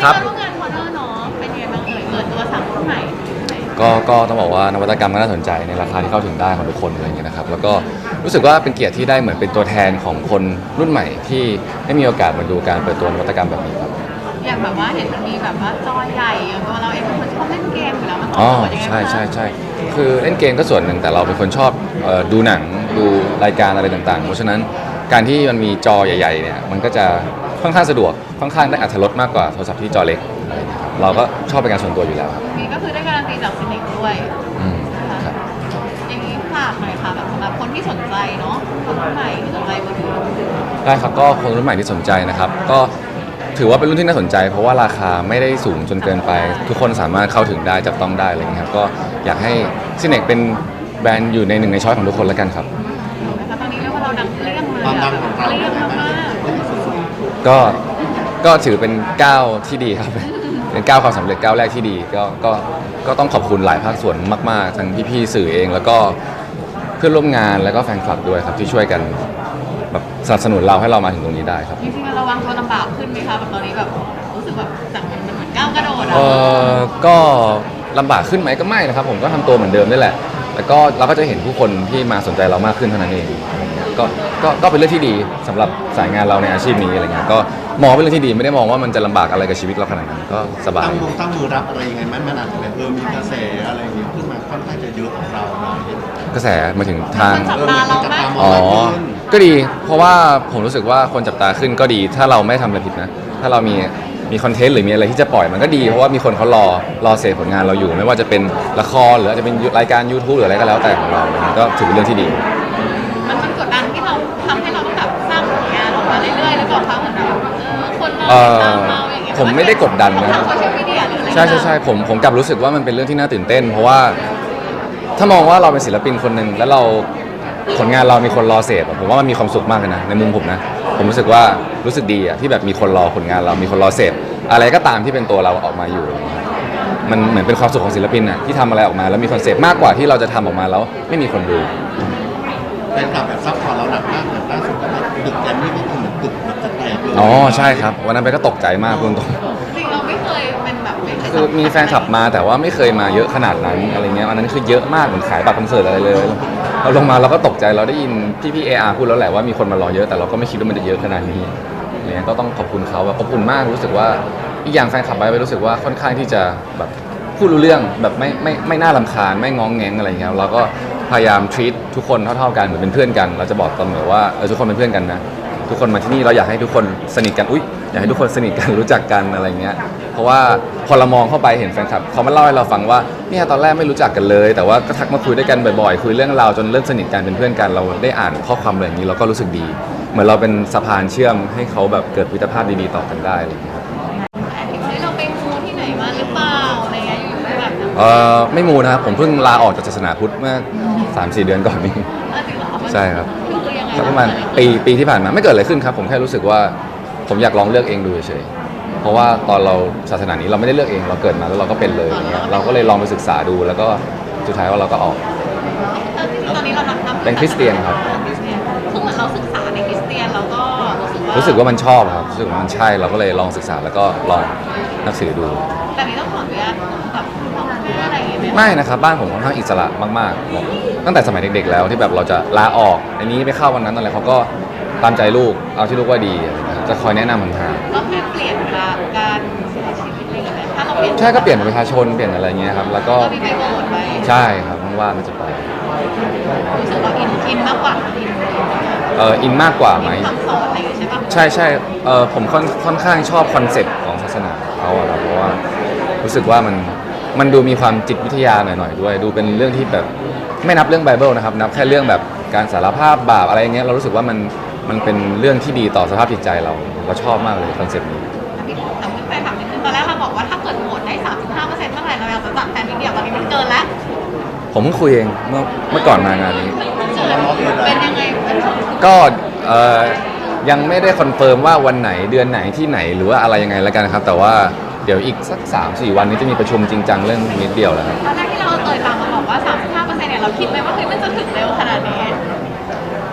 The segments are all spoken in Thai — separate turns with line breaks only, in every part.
ครับ
ร่วมงานคอนเนอร์เนาะเป็นยังไงบ้างเปิดตัว3รุ่นใหม่
ก็ต้องบอกว่านวัตกรรมก็น่าสนใจในราคาที่เข้าถึงได้ของทุกคนอะไรอย่างเงี้ยนะครับแล้วก็รู้สึกว่าเป็นเกียรติที่ได้เหมือนเป็นตัวแทนของคนรุ่นใหม่ที่ได้มีโอกาสมาดูการเปิดตัวนวัตกรรมแบบนี้ครับ
อย่างแบบว่าเห็นมันมีแบบว่าจอใหญ่ตัวเราเองเป็นคนชอบเล่นเกมอยู่แล้วมันต
อ๋อ
อบโจทย์ยังไงบ้าง
ใช่คือเล่นเกมก็ส่วนหนึ่งแต่เราเป็นคนชอบดูหนังดูรายการอะไรต่างๆเพราะฉะนั้นการที่มันมีจอใหญ่ๆเนี่ยมันก็จะค่อนข้างสะดวกค่อนข้างได้อรรถรสมากกว่าโทรศัพท์ที่จอเล็กอะไรอย่างเงี้ยครับเราก็ชอบเป็นการส่วนตัวอยู่แล้วครับ
มีก็คือได้การันตีจากซินิกด้วย
อืม
นะคะ
ครับ
อย่างนี้ฝากหน่อยค่ะแบบสำหรับคนที่สนใจเนาะคนรุ่นใหม่ที่สนใจมือถือ
ได้ครับก็คนรุ่นใหม่ที่สนใจนะครับก็ถือว่าเป็นรุ่นที่น่าสนใจเพราะว่าราคาไม่ได้สูงจนเกินไปทุกคนสามารถเข้าถึงได้จับต้องได้อะไรอย่างเงี้ยครับก็อยากให้ซินเนกเป็นแบรนด์อยู่ในหนึ่งในช้อยของทุกคนแล้วกันครับ
นะคะตอนนี้เรียกว่าเราดังเปรี้ยงเลย
ความดังของเรา
เปรี้ยงมาก
ก็ก็ถือเป็นก้าวที่ดีครับ เป็นก้าวความสำเร็จก้าวแรกที่ดีก็ต้องขอบคุณหลายภาคส่วนมากๆทั้งพี่ๆสื่อเองแล้วก็เพื่อนร่วมงานแล้วก็แฟนคลับด้วยครับที่ช่วยกันแบบสนับสนุนเราให้เรามาถึงตรงนี้ได้ครับ
จริงๆเราวางตัวลำบากขึ้นไหมคะแบบตอนนี้แบบรู้สึกแบบจากมันเหมือนก้าวกระโดดอะ
ก็ลำบากขึ้นไหมก็ไม่นะครับผมก็ทำตัวเหมือนเดิมนี่แหละแล้วก็เราก็จะเห็นผู้คนที่มาสนใจเรามากขึ้นเท่านั้นเองก็เป็นเรื่องที่ดีสำหรับสายงานเราในอาชีพนี้อะไรเงี้ยก็มองเป็นเรื่องที่ดีไม่ได้มองว่ามันจะลำบากอะไรกับชีวิตเราขนาดนั้นก็สบาย
ตั้งมือรับอะไรยังไงมันอาจจะแบบมีกระแสอะไรอย่างเงี้ยขึ้นมาค่อนข้างจะเยอะของเราเนาะ
กระแสมาถึงทาง
จับตาเรามาก
อ๋อก็ดีเพราะว่าผมรู้สึกว่าคนจับตาขึ้นก็ดีถ้าเราไม่ทำอะไรผิดนะถ้าเรามีคอนเทนต์หรือมีอะไรที่จะปล่อยมันก็ดีเพราะว่ามีคนเขารอเสพผลงานเราอยู่ไม่ว่าจะเป็นละครหรืออาจจะเป็นรายการ YouTube หรืออะไรก็แล้วแต่ของเราก็ถือเป็นเรื่องที่ดี
มันกดดันที่เราทำให้เราต้องแบบสร้างผลงานออกมาเรื่อยๆหรือเปล่าคะเหมือนแบบคนเราติดตามเราอย่างเงี้ย
ผมไม่ได้กดดันนะ
ทางโซเชียลมีเดียหรืออะไร
ใช่ผมกลับรู้สึกว่ามันเป็นเรื่องที่น่าตื่นเต้นเพราะว่าถ้ามองว่าเราเป็นศิลปินคนหนึ่งแล้วเราผลงานเรามีคนรอเสพผมว่ามันมีความสุขมากเลยนะในมุมผมนะผมรู้สึกว่ารู้สึกดีอะที่แบบมีคนรอผลงานเรามีคนรอเสพอะไรก็ตามที่เป็นตัวเราออกมาอยู่มันเหมือนเป็นความสุขของศิลปินอะที่ทำอะไรออกมาแล้วมีคอนเซปต์มากกว่าที่เราจะทำออกมาแล้วไม่มีคนดู
แฟนคลับแบบซัพพอร์ตเราหนักมากเหมือนล่าสุดก็แบบตึกแกรมมี่ก็คือเหมือนตึกมันจะแตกเลย
อ๋อใช่ครับวันนั้นไปก็ตกใจมากพูดตรง
จริงเราไม่เคยเป็นแบบไม่เคย
คือมีแฟนคลับมาแต่ว่าไม่เคยมาเยอะขนาดนั้นอะไรเงี้ยอันนั้นคือเยอะมากเหมือนขายบัตรคอนเสิร์ตอะไรเลยเราลงมาเราก็ตกใจเราได้ยินพี่เออาร์พูดแล้วแหละว่ามีคนมารอเยอะแต่เราก็ไม่คิดว่ามันจะเยอะขนาดนี้เนี่ยก็ต้องขอบคุณเขาแบบอบอุ่นมากรู้สึกว่าอีกอย่างแฟนคลับไปรู้สึกว่าค่อนข้างที่จะแบบพูดรู้เรื่องแบบไม่น่ารำคาญไม่ง้องแงงอะไรเงี้ยเราก็พยายาม treat ทุกคนเท่าๆกันเหมือนเป็นเพื่อนกันเราจะบอกเสมอว่าทุกคนเป็นเพื่อนกันนะทุกคนมาที่นี่เราอยากให้ทุกคนสนิทกันอยากให้ทุกคนสนิทกันรู้จักกันอะไรเงี้ยเพราะว่าพอเรามองเข้าไปเห็นแฟนคลับเขามาเล่าให้เราฟังว่าเนี่ยตอนแรกไม่รู้จักกันเลยแต่ว่าก็ทักมาคุยด้วยกันบ่อยๆคุยเรื่องราวจนเริ่มสนิทกันเป็นเพื่อนกันเราได้อ่านข้อความอะไรอย่างนี้เราก็รู้สึกดีเหมือนเราเป็นสะพานเชื่อมให้เขาแบบเกิดมิตรภาพดีๆต่อกันได้อะไรอย่างเงี้ยครับ
เราไปมูที่ไหนมาหรือเปล่าอะไรเงี้ยอยู่ๆแบบ
ไม่มูนะครับผมเพิ่งลาออกจากศาสนาพุทธเมื่อ 3-4 เดือนก่อนนี้ใช่ครับสักประมาณปีที่ผ่านมาไม่เกิดอะไรขึ้นครับผมแค่รู้สึกว่าผมอยากลองเลือกเองดูเฉยๆเพราะว่าตอนเราศาสนานี้เราไม่ได้เลือกเองเราเกิดมาแล้วเราก็เป็นเลยอย่างเงี้ยเราก็เลยลองไปศึกษาดูแล้วก็สุดท้ายว่าเราก็ออก
ตอนนี้เรา
เป็นคริสเตียนครับ
คือเหมือนเราศึกษาในคริสเตียนแล้วก็
รู้สึกว่ามันชอบครับรู้สึกว่ามันใช่เราก็เลยลองศึกษาแล้วก็ลองนับถือดู
แต่นี้ต้องขออนุญาตแบบพ่อแม่อะไรอย่างเงี้ย
ไม่นะครับบ้านผมค่อนข้างอิสระมากๆตั้งแต่สมัยเด็กๆแล้วที่แบบเราจะลาออกอันนี้ไปเข้าวันนั้นอะไรเขาก็ตามใจลูกเอาที่ลูกว่าดีจะคอยแนะนำมันทาง
ก็แค่เปลี่ยนเวลาการใช้ชีวิตอะไรอย่างเงี้ยถ้าเราเปลี่ยน
ใช่ก็เปลี่ยนประชาชนเปลี่ยนอะไรเงี้ยครับแล้วก็
มีไปโบสถ์ไป
ใช่ครับว่างๆก็จะไป
รู้สึกว่าอินมากกว่า
อินมากกว่าไหม
คำสอนอะไรอย่างเงี้ยใช่ปะ
ใช่ผมค่อนข้างชอบคอนเซ็ปต์ของศาสนาเขาอะครับเพราะว่ารู้สึกว่ามันดูมีความจิตวิทยาหน่อยๆด้วยดูเป็นเรื่องที่แบบไม่นับเรื่องไบเบิลนะครับนับแค่เรื่องแบบการสารภาพบาปอะไรเงี้ยเรารู้สึกว่ามันเป็นเรื่องที่ดีต่อสภาพจิตใจเราชอบมากเลยคอนเซ็ปต์นี้
แต่เพิ่งไปถามนิดนึงตอนแรกเราบอกว่าถ้าเกิดโหวตได้ 35%เมื่อไหร่เราอยากจะจัดแฟนมิตรเดียวตอนนี้มันเกินแล้ว
ผมเพิ่งคุยเองเมื่อก่อนมางานนี้
เป็นยังไง
ก็ยังไม่ได้คอนเฟิร์มว่าวันไหนเดือนไหนที่ไหนหรือว่าอะไรยังไงแล้วกันครับแต่ว่าเดี๋ยวอีกสัก 3-4 วันนี้จะมีประชุมจริงจังเรื่องมิตรเดียวแล้วครับ
ตอนแรกที่เราฟังมาบอกว่า 35%เนี่ยเราคิดไหมว่าเฮ้ยมันจะถึงเร็วขนาดนี้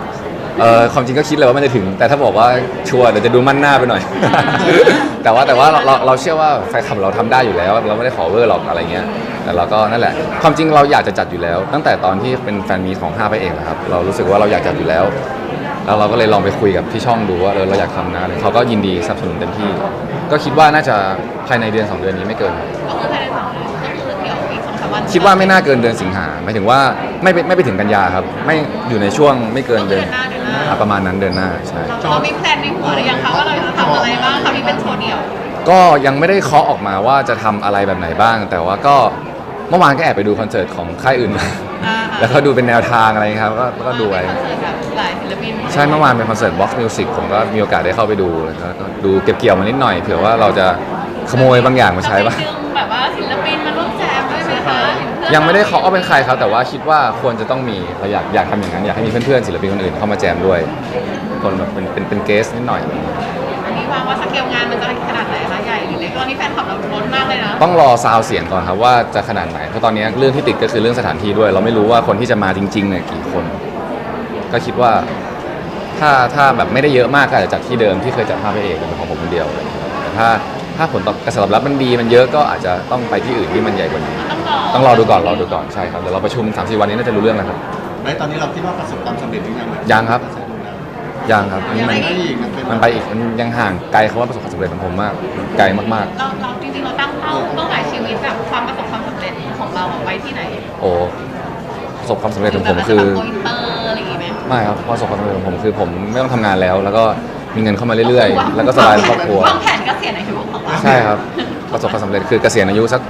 ความจริงก็คิดเลยว่ามันจะถึง แต่ถ้าบอกว่าชัวร์เดี๋ยวจะดูมั่นหน้าไปหน่อย แต่ว่าเราเชื่อว่าแฟนคลับเราทำได้อยู่แล้ว เราไม่ได้ขอเวอร์หรอกอะไรเงี้ยแต่เราก็นั่นแหละความจริงเราอยากจะจัดอยู่แล้ว ตั้งแต่ตอนที่เป็นแฟนมีตของ5ไปเองนะครับเรารู้สึกว่าเราอยากจัดอยู่แล้ว แล้วเราก็เลยลองไปคุยกับที่ช่องดูว่าเราอยากทำนะเขาก็ยินดีสนับสนุนเต็มที่ ก็คิดว่าน่าจะภายในเดือน2 เดือนนี้ไม่เกิน
ก็คือภายใน2 เดือนก็คือเดี๋ยวอีก2-3 วัน
คิดว่าไม่น่าเกินเดือนสิงหาหมายถึงว่าไม่ไปถึงกันยาครับไม่อยู่ในช่วงไม่เกินเดือนประมาณนั้นเดือนหน้าใช่
เรามีแพลนในหัวหรือยังคะว่าเราจะทำอะไรบ้างคะมีเป็นโชว์เดี่ยว
ก็ยังไม่ได้เคาะออกมาว่าจะทำอะไรแบบไหนบ้าง แต่ว่าก็เมื่อวานก็แอบไปดูคอนเสิร์ตของค่ายอื่นมา แล้วก็ดูเป็นแนวทางอะไรครับก็ดูไว้
คอนเสิร์ตแบบหลายศิลปิน
ใช่เมื่อวานเป็นคอนเสิร์ต Box Music ผมก็มีโอกาสได้เข้าไปดูแล้วก็ดูเก็บเกี่ยวมานิดหน่อยเผื่อว่าเราจะขโมยบางอย่างมาใช้บ้าง
จะไปดึงแบบว่าศิลปินมาร่วมแจมด้วยไหมคะหรือเพื่อน
ยังไม่ได้เคาะว่าเป็นใครครับแต่ว่าคิดว่าควรจะต้องมีเราอยากทำอย่างนั้นอยากให้มีเพื่อนๆศิลปินคนอื่นเข้ามาแจมด้วยคนแบบเป็นเกสนิดหน่อย
อันนี้วางว่าสเกลงานมันจะขนาดไหนคะใหญ่หรือเล็กตอนนี้แฟนคลับเราล้นมากเลยนะ
ต้องรอซาวเสียงก่อนครับว่าจะขนาดไหนเพราะตอนนี้เรื่องที่ติดก็คือเรื่องสถานที่ด้วย เราไม่รู้ว่าคนที่จะมาจริงๆเนี่ยกี่คน ก็คิดว่าถ้าแบบไม่ได้เยอะมากก็อาจจะจัดที่เดิมที่เคยจัดภาพพระเอกเป็นของผมคนเดียวแต่ถ้าผลตอบกระแสตอบรับมันดีมันเยอะก็อาจจะต้องไปที่อื่นที่มันใหญ่กว่านี้ ต้องรอดูก่อนใช่ครับเดี๋ยวเราประชุม 3-4 วันนี้น่าจะรู้เรื่องแล้วครับ
ในตอนนี้เราคิดว่าประสบความสำเร็จหรือยัง
ยังครับ ยังครับอันนี้
มั
มัน น
ได้อีกมันเป็น
มันไปอีกมันยังห่างไกลคำว่าประสบความสำเร็จของผมมากไกลมาก
เราจริงๆเราตั้งเป้าหมายชีวิตแบบความประสบความสำเร็จของเราไว้ที่ไหน
ๆโอ้ประสบความสำเร็จของผมคือ
โกอินเตอร์อะไรอย่างงี้ไหม
ไม่ครับประสบความสำเร็จของผมคือผมไม่ต้องทำงานแล้ว แล้วก็มีเงินเข้ามาเรื่อยๆ แล้วก็สบายในครอบครัว
วางแผนเกษียณอายุของเรา
ใช่ครับประสบความสำเร็จคือเกษียณอายุสัก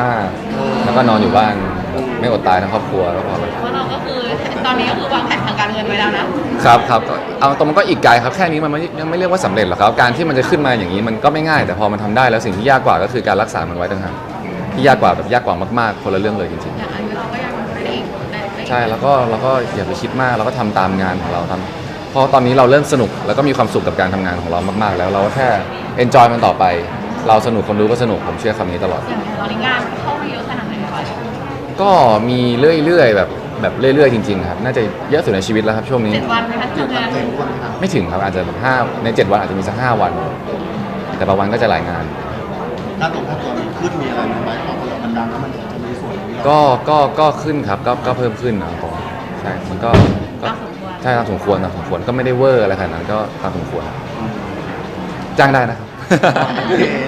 35แล้วก็นอนอยู่บ้านไม่อดตายทั้งครอบครัวแล้วพอแล้ว
เพราะเราก็คือตอนนี้ก็คือวางแผนทางการเงินไว้แล้วนะครับ
ก็เอาตรงมันก็อีกไกลครับแค่นี้มันยังไม่เรียกว่าสำเร็จหรอกครับการที่มันจะขึ้นมาอย่างนี้มันก็ไม่ง่ายแต่พอมันทำได้แล้วสิ่งที่ยากกว่าก็คือการรักษามันไว้ต่างหากที่ยากกว่าแบบยากกว่ามากๆคนละเรื่องเลยจริง
อย่างอายุเราก็ยังได้อีกได้
ๆใช่แล้วก็อย่าไปคิดมากเราก็ทำตามงานของเราทำเพราะตอนนี้เราเริ่มสนุกแล้วก็มีความสุขกับการทำงานของเรามากๆ แล้วเราก็แค่ enjoy มันต่อไป เราสนุกคนดูก็สนุกผมเชื่อคำนี้ตลอด
อย่างตอนนี้งานเข้ามาเยอะขนาดไหนคะ
ก็มีเรื่อยๆแบบเรื่อยๆจริงๆครับน่าจะเยอะสุดในชีวิตแล้วครับช่วงนี้
7 วันไหมคะ
เจ็ด
ทำ
วัน
งาน
เต็มวันครับ
ไม่ถึงครับอาจจะแบบ5ใน7 วันอาจจะมีสัก5 วัน แต่บางวันก็จะหลายงาน
ถ้าตัวมีขึ้นมีอะไรไหมเพราะเรามันดังแล้วมันจะมีส่วนที่เรา
ก็ขึ้นครับก็เพิ่มขึ้นนะครับผมใช่มันก็ใช่ตามสมควรก็ไม่ได้เวอร์อะไรขนาดนั้นก็ตามสมควรจ้างได้นะครับ
โอเค